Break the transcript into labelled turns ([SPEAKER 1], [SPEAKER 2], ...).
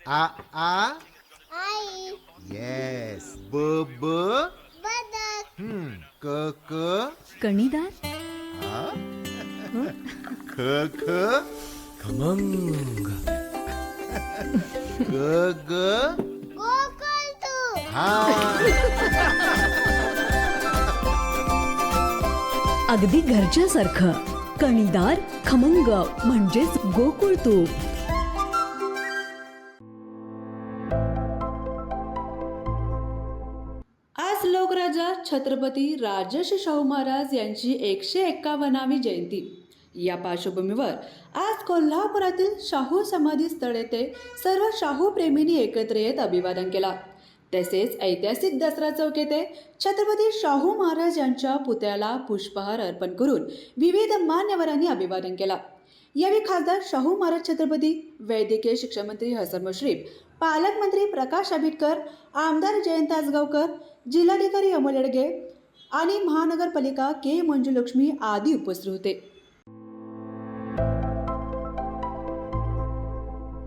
[SPEAKER 1] आ आ
[SPEAKER 2] आई.
[SPEAKER 1] Yes. ब ब
[SPEAKER 2] बदक.
[SPEAKER 1] क क
[SPEAKER 3] कणीदार.
[SPEAKER 1] आ
[SPEAKER 3] हं?
[SPEAKER 1] ख ख
[SPEAKER 4] खमंग.
[SPEAKER 1] ग ग
[SPEAKER 2] गोकुळ तू.
[SPEAKER 1] हा.
[SPEAKER 3] अगदी घरच्यासारखं. कणीदार खमंग म्हणजेच गोकुळ तूप.
[SPEAKER 5] आज लोकराजा छत्रपती राजर्षी शाहू महाराज यांची 151वी जयंती. या पार्श्वभूमीवर आज कोल्हापुरातील शाहू समाधी स्थळ येथे सर्व शाहू प्रेमींनी एकत्र येत अभिवादन केला. तसेच ऐतिहासिक दसरा चौक येथे छत्रपती शाहू महाराज यांच्या पुतळ्याला पुष्पहार अर्पण करून विविध मान्यवरांनी अभिवादन केला. यावेळी खासदार शाहू महाराज छत्रपती, वैद्यकीय शिक्षण मंत्री हसन मुश्रीफ, पालकमंत्री प्रकाश आंबेडकर, आमदार जयंत आसगावकर, जिल्हाधिकारी अमोल येडगे आणि महानगरपालिका के मंजुलक्ष्मी आदी उपस्थित होते.